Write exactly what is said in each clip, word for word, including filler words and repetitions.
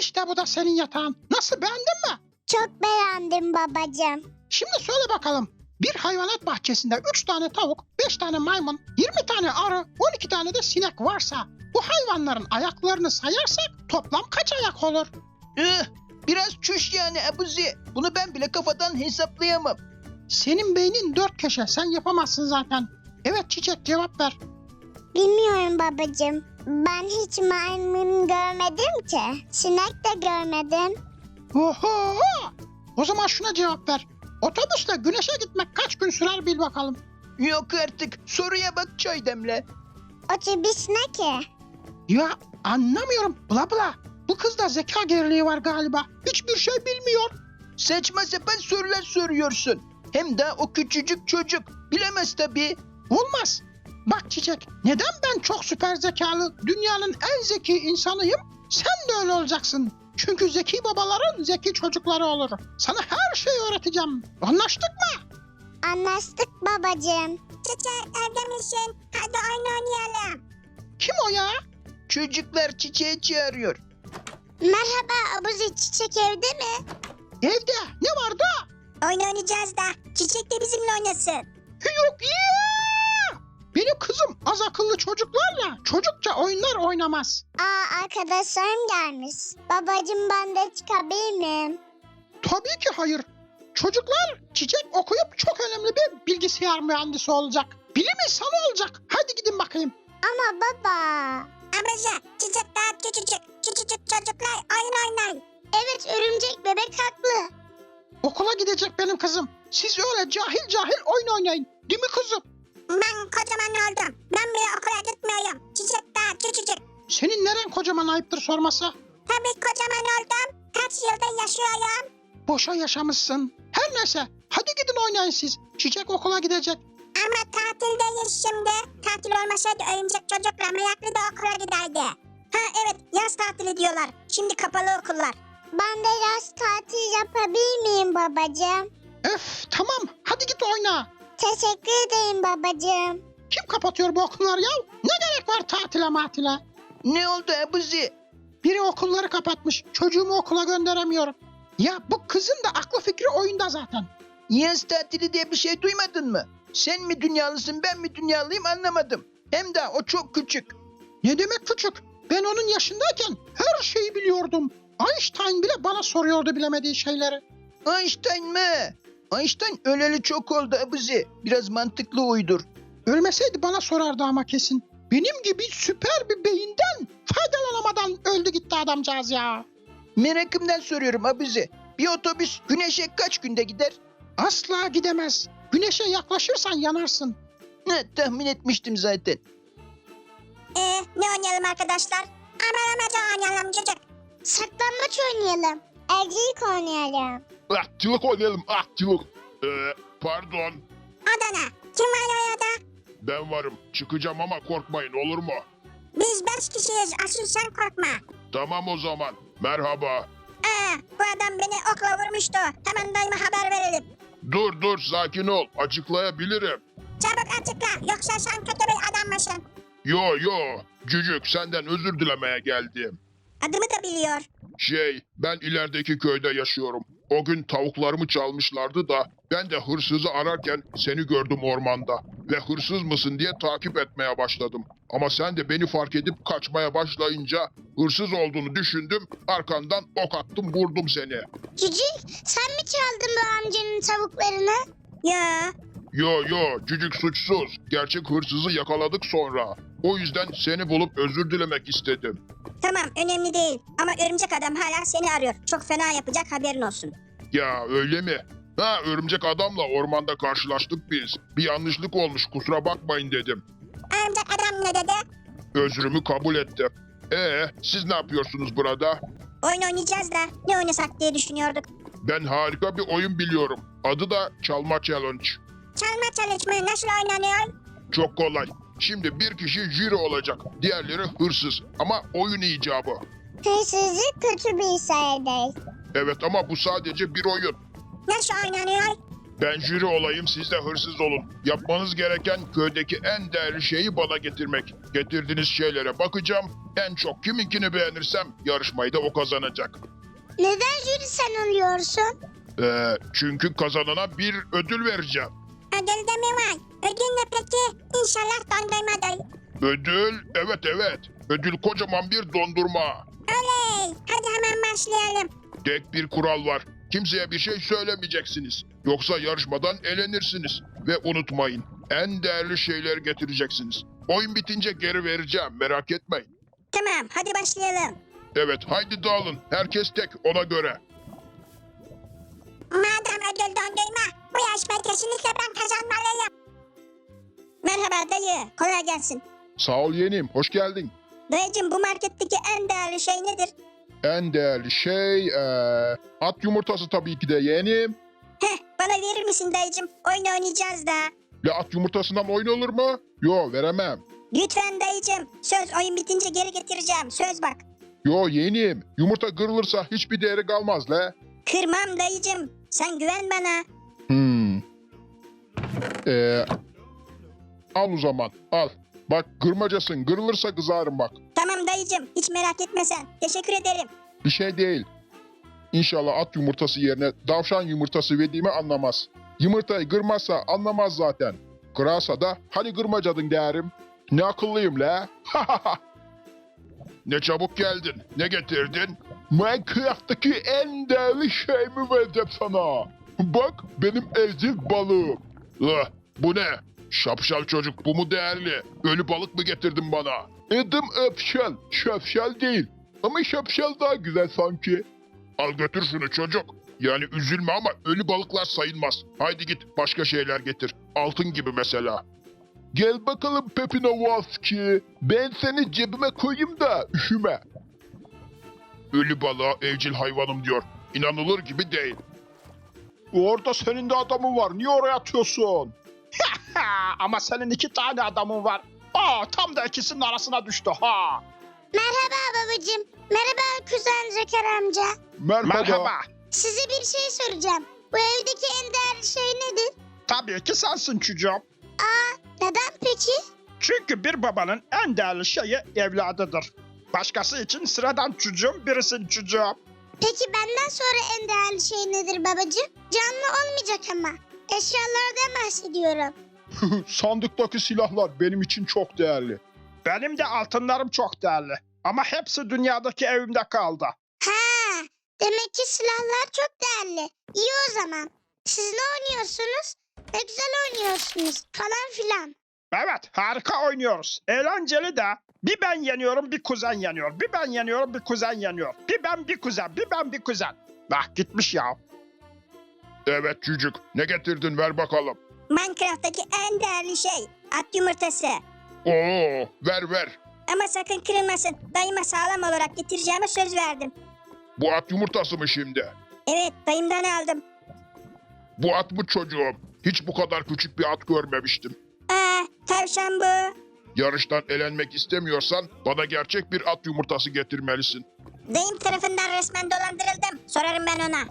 İşte bu da senin yatağın. Nasıl, beğendin mi? Çok beğendim babacığım. Şimdi söyle bakalım. Bir hayvanat bahçesinde üç tane tavuk, beş tane maymun, yirmi tane arı, on iki tane de sinek varsa bu hayvanların ayaklarını sayarsak toplam kaç ayak olur? Eh, biraz çüş yani Abuzi. Bunu ben bile kafadan hesaplayamam. Senin beynin dört köşe, sen yapamazsın zaten. Evet Çiçek, cevap ver. Bilmiyorum babacığım. Ben hiç maymun görmedim ki. Sinek de görmedim. Oho! O zaman şuna cevap ver. Otobüsle güneşe gitmek kaç gün sürer bil bakalım. Yok artık. Soruya bak, çay demle. Otobüs ne ki? Ya anlamıyorum, bla bla. Bu kızda zeka geriliği var galiba. Hiçbir şey bilmiyor. Saçma sapan sorular soruyorsun. Hem de o küçücük çocuk. Bilemez tabii. Olmaz. Bak Çiçek, neden ben çok süper zekalı, dünyanın en zeki insanıyım? Sen de öyle olacaksın. Çünkü zeki babaların zeki çocukları olur. Sana her şeyi öğreteceğim. Anlaştık mı? Anlaştık babacığım. Çiçek evde misin? Hadi oyun oynayalım. Kim o ya? Çocuklar Çiçeği çağırıyor. Merhaba Abuzi, Çiçek evde mi? Evde. Ne vardı? Oyun oynayacağız da Çiçek de bizimle oynasın. Yok ya! Benim kızım az akıllı çocuklarla çocukça oyunlar oynamaz. Aa, arkadaşlarım gelmiş. Babacığım, ben de çıkabilir miyim? Tabii ki hayır. Çocuklar Çiçek okuyup çok önemli bir bilgisayar mühendisi olacak. Bilim insanı olacak. Hadi gidin bakayım. Ama baba. Amca, Çiçek daha küçücük. Küçücük çocuklar oyun oynayın. Evet, örümcek bebek haklı. Okula gidecek benim kızım. Siz öyle cahil cahil oyun oynayın. Değil mi kızım? Ben kocaman oldum. Ben bile okula gitmiyorum. Çiçek daha küçücük. Senin neren kocaman, ayıptır sorması? Tabii kocaman oldum. Kaç yılda yaşıyorum. Boşa yaşamışsın. Her neyse. Hadi gidin oynayın siz. Çiçek okula gidecek. Ama tatildeyiz şimdi. Tatil olmasaydı örümcek çocukla meraklı da okula giderdi. Ha evet, yaz tatili diyorlar. Şimdi kapalı okullar. Ben de yaz tatili yapabilir miyim babacığım? Öf, tamam. Hadi git oyna. Teşekkür ederim babacığım. Kim kapatıyor bu okulları ya? Ne gerek var tatile matile? Ne oldu Abuzi? Biri okulları kapatmış. Çocuğumu okula gönderemiyorum. Ya bu kızın da aklı fikri oyunda zaten. Yaz tatili diye bir şey duymadın mı? Sen mi dünyalısın, ben mi dünyalıyım anlamadım. Hem de o çok küçük. Ne demek küçük? Ben onun yaşındayken her şeyi biliyordum. Einstein bile bana soruyordu bilemediği şeyleri. Einstein mi? Einstein öleli çok oldu Abuzi. Biraz mantıklı uydur. Ölmeseydi bana sorardı ama kesin. Benim gibi süper bir beyinden faydalanamadan öldü gitti adamcağız ya. Merakımdan soruyorum Abuzi. Bir otobüs güneşe kaç günde gider? Asla gidemez. Güneşe yaklaşırsan yanarsın. Ne, tahmin etmiştim zaten. Ee, ne oynayalım arkadaşlar? Aman amaca oynayalım çocuk. Saklambaç oynayalım. Evcilik oynayalım. Ahçılık oynayalım, ahçılık. Ee, pardon, Adana. Kim var orada? ben varım. Çıkacağım ama korkmayın, olur mu? Biz beş kişiyiz. Asıl sen korkma. Tamam o zaman. Merhaba. Aa, bu adam beni okla vurmuştu. Hemen dayıma haber verelim. Dur dur, sakin ol. Açıklayabilirim. Çabuk açıkla. Yoksa sen kötü bir adam mısın? Yo yo, cücük senden özür dilemeye geldim. Adımı da biliyor. Şey, ben ilerideki köyde yaşıyorum. O gün tavuklarımı çalmışlardı da ben de hırsızı ararken seni gördüm ormanda. Ve hırsız mısın diye takip etmeye başladım. Ama sen de beni fark edip kaçmaya başlayınca hırsız olduğunu düşündüm. Arkandan ok attım, vurdum seni. Cücük, sen mi çaldın bu amcanın tavuklarını? Ya. Yo yo, cücük suçsuz. Gerçek hırsızı yakaladık sonra. O yüzden seni bulup özür dilemek istedim. Tamam, önemli değil. Ama örümcek adam hala seni arıyor. Çok fena yapacak, haberin olsun. Ya öyle mi? Ha, örümcek adamla ormanda karşılaştık biz. Bir yanlışlık olmuş, kusura bakmayın dedim. Örümcek adam ne dedi? Özrümü kabul ettim. Ee, siz ne yapıyorsunuz burada? Oyun oynayacağız da ne oynasak diye düşünüyorduk. Ben harika bir oyun biliyorum. Adı da Çalma Challenge. Çalma çalışmayı nasıl oynanıyor? Çok kolay. Şimdi bir kişi jüri olacak. Diğerleri hırsız. Ama oyun icabı. Hırsızlık kötü bir şey değil. Evet ama bu sadece bir oyun. Nasıl oynanıyor? Ben jüri olayım, siz de hırsız olun. Yapmanız gereken köydeki en değerli şeyi bana getirmek. Getirdiğiniz şeylere bakacağım. En çok kiminkini beğenirsem yarışmayı da o kazanacak. Neden jüri sen oluyorsun? Ee, çünkü kazanana bir ödül vereceğim. Ödül de mi var? Ödül ne peki? İnşallah dondurmadır. Ödül, evet evet. Ödül kocaman bir dondurma. Oley! Hadi hemen başlayalım. Tek bir kural var. Kimseye bir şey söylemeyeceksiniz. Yoksa yarışmadan elenirsiniz. Ve unutmayın, en değerli şeyleri getireceksiniz. Oyun bitince geri vereceğim, merak etmeyin. Tamam, hadi başlayalım. Evet, haydi dağılın. Herkes tek, ona göre. Madem ödül dondurma, bu yarışmayı kesinlikle ben kazanmalıyım. Merhaba dayı, kolay gelsin. Sağ ol yeğenim, hoş geldin. Dayıcım, bu marketteki en değerli şey nedir? En değerli şey, eee, at yumurtası tabii ki de yeğenim. Heh, bana verir misin dayıcım? Oyun oynayacağız da. Ya at yumurtasından oyun olur mu? Yo, veremem. Lütfen dayıcım, söz oyun bitince geri getireceğim, söz bak. Yo yeğenim, yumurta kırılırsa hiçbir değeri kalmaz le. Kırmam dayıcım, sen güven bana. Hmm. Ee, al o zaman, al. Bak kırmacasın, kırılırsa kızarım bak. Tamam dayıcım, hiç merak etme sen. Teşekkür ederim. Bir şey değil. İnşallah at yumurtası yerine davşan yumurtası verdiğimi anlamaz. Yumurtayı kırmazsa anlamaz zaten. Kırarsa da hani kırmacadın derim. Ne akıllıyım la. Ne çabuk geldin. Ne getirdin? Minecraft'taki en değerli şeyimi vereceğim sana. Bak benim evcil balığım. Ah, bu ne? Şapşal çocuk, bu mu değerli? Ölü balık mı getirdin bana? Edim öpşel, şapşal değil. Ama şapşal daha güzel sanki. Al götür şunu çocuk. Yani üzülme ama ölü balıklar sayılmaz. Haydi git başka şeyler getir. Altın gibi mesela. Gel bakalım Pepinovaski. Ben seni cebime koyayım da üşüme. Ölü balığa evcil hayvanım diyor. İnanılır gibi değil. Orada senin de adamın var. Niye oraya atıyorsun? Ha, ama senin iki tane adamın var. Aa, tam da ikisinin arasına düştü ha. Merhaba babacığım. Merhaba kuzen Zeker amca. Merhaba. Merhaba. Size bir şey soracağım. Bu evdeki en değerli şey nedir? Tabii ki sensin çocuğum. Neden peki? Çünkü bir babanın en değerli şeyi evladıdır. Başkası için sıradan çocuğum, birisin çocuğum. Peki benden sonra en değerli şey nedir babacığım? Canlı olmayacak ama. Eşyalardan bahsediyorum. Sandıktaki silahlar benim için çok değerli. Benim de altınlarım çok değerli. Ama hepsi dünyadaki evimde kaldı. Ha, demek ki silahlar çok değerli. İyi o zaman. Siz ne oynuyorsunuz? Ne güzel oynuyorsunuz falan filan. Evet, harika oynuyoruz. Eğlenceli de. Bir ben yeniyorum, bir kuzen yeniyor. Bir ben yeniyorum, bir kuzen yeniyor. Bir ben, bir kuzen, bir ben, bir kuzen. Bak gitmiş ya. Evet çocuk. Ne getirdin ver bakalım. Minecraft'taki en değerli şey at yumurtası. Oo, ver ver. Ama sakın kırılmasın. Dayıma sağlam olarak getireceğime söz verdim. Bu at yumurtası mı şimdi? Evet, dayımdan aldım. Bu at mı çocuğum? Hiç bu kadar küçük bir at görmemiştim. Aa, tavşan bu. Yarıştan elenmek istemiyorsan bana gerçek bir at yumurtası getirmelisin. Dayım tarafından resmen dolandırıldım. Sorarım ben ona.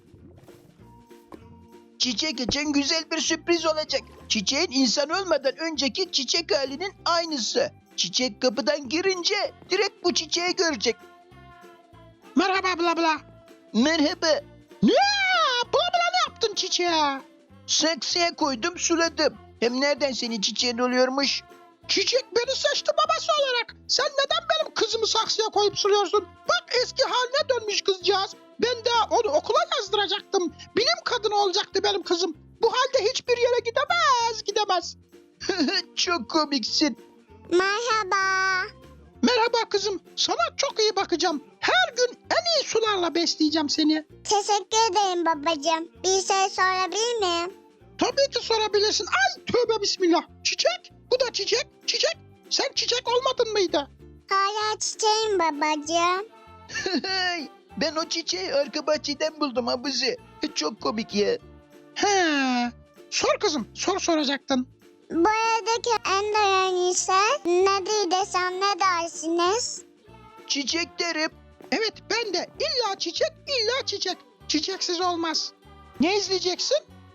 Çiçek için güzel bir sürpriz olacak. Çiçeğin insan olmadan önceki çiçek halinin aynısı. Çiçek kapıdan girince direkt bu çiçeği görecek. Merhaba bla bla. Merhaba. Ne? Bla bla ne yaptın çiçeğe? Saksıya koydum suladım. Hem nereden senin çiçeğin oluyormuş? Çiçek beni seçti babası olarak. Sen neden benim kızımı saksıya koyup suluyorsun? Bak eski haline dönmüş kızcağız. Ben de onu okula yazdıracaktım. Bilim kadını olacaktı benim kızım. Bu halde hiçbir yere gidemez, gidemez. Çok komiksin. Merhaba. Merhaba kızım. Sana çok iyi bakacağım. Her gün en iyi sularla besleyeceğim seni. Teşekkür ederim babacığım. Bir şey sorabilir miyim? Tabii ki sorabilirsin. Ay tövbe bismillah. Çiçek. Bu da çiçek. Çiçek. Sen çiçek olmadın mıydı? Hala çiçeğim babacığım. Ben o çiçeği arka bahçeden buldum abuzi. Çok komik ya. He. Sor kızım. Sor soracaktın. Bu evdeki en değerli şey nedir desem ne dersiniz? Çiçek derim. Evet ben de illa çiçek illa çiçek. Çiçeksiz olmaz. Ne izleyeceksin?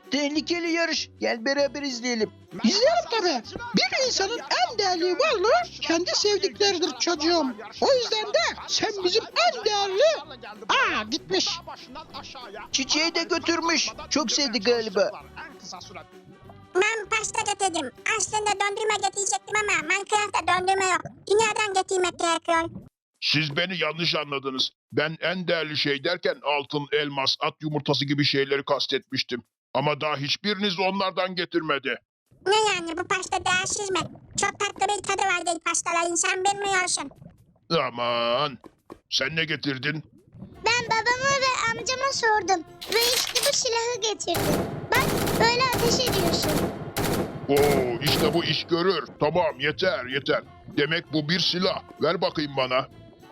Tehlikeli yarış. Gel beraber izleyelim. İzleyelim tabii. Bir insanın en değerli varlığı kendi sevdikleridir çocuğum. O yüzden de sen bizim en değerli... Aa gitmiş. Çiçeği de götürmüş. Çok sevdi galiba. Ben pasta getirdim. Aslında dondurma getirecektim ama Minecraft'ta dondurma yok. Dünyadan getirmek gerekiyor. Siz beni yanlış anladınız. Ben en değerli şey derken altın, elmas, at yumurtası gibi şeyleri kastetmiştim. Ama daha hiçbiriniz onlardan getirmedi. Ne yani bu pasta değersiz mi? Çok tatlı bir tadı var değil pastaların sen bilmiyorsun. Aman. Sen ne getirdin? Ben babama ve amcama sordum. Ve işte bu silahı getirdim. Bak böyle ateş ediyorsun. Oo, işte bu iş görür. Tamam, yeter, yeter. Demek bu bir silah. Ver bakayım bana.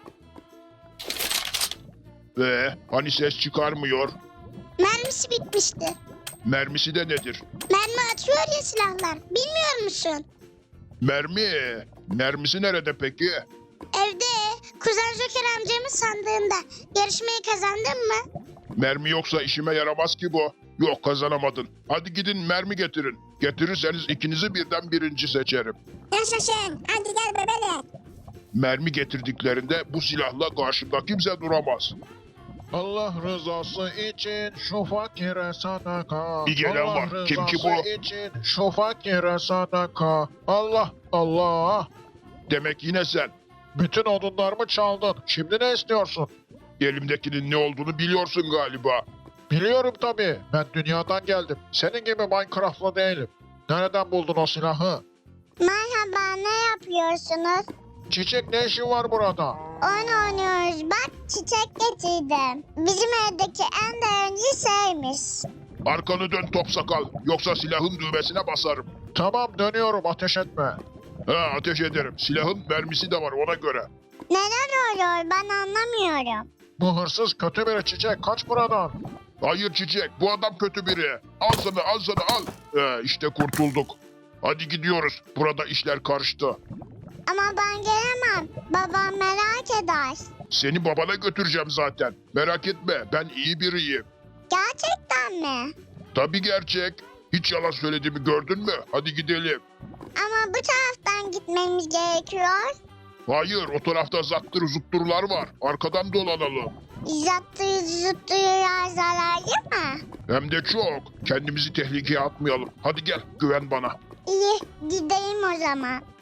Ve hani ses çıkarmıyor? Mermisi bitmişti. Mermisi de nedir? Mermi atıyor ya silahlar. Bilmiyor musun? Mermi. Mermisi nerede peki? Evde Kuzen Joker amcamın sandığında. Yarışmayı kazandın mı? Mermi yoksa işime yaramaz ki bu. Yok, kazanamadın. Hadi gidin mermi getirin. Getirirseniz ikinizi birden birinci seçerim. Yaşasın. Hadi gel bebeğim. Mermi getirdiklerinde bu silahla karşımda kimse duramaz. Allah rızası için şu fakire sadaka. Bir gelen Allah var. Kim ki rızası bu? için şu fakire sadaka. Allah Allah. Demek yine sen. Bütün odunlarımı çaldın. Şimdi ne istiyorsun? Elimdekinin ne olduğunu biliyorsun galiba. Biliyorum tabii. Ben dünyadan geldim. Senin gibi Minecraft'lı değilim. Nereden buldun o silahı? Merhaba ne yapıyorsunuz? Çiçek ne işin var burada? Oyun oynuyoruz. Bak çiçek getirdim. Bizim evdeki en değerli şeymiş. Arkanı dön top sakal. Yoksa silahın düğmesine basarım. Tamam dönüyorum ateş etme. Ha, ateş ederim. Silahın mermisi de var ona göre. Neler oluyor ben anlamıyorum. Bu hırsız kötü bir çiçek. Kaç buradan. Hayır çiçek, bu adam kötü biri. Al sana, al sana, al. Ee, işte kurtulduk. Hadi gidiyoruz. Burada işler karıştı. Ama ben gelemem. Babam merak eder. Seni babana götüreceğim zaten. Merak etme, ben iyi biriyim. Gerçekten mi? Tabii gerçek. Hiç yalan söylediğimi gördün mü? Hadi gidelim. Ama bu taraftan gitmemiz gerekiyor. Hayır, o tarafta zattır zutturlar var. Arkadan dolanalım. Zıttıyı zıttıyı zararlı mı? Hem de çok. Kendimizi tehlikeye atmayalım. Hadi gel, güven bana. İyi gideyim o zaman.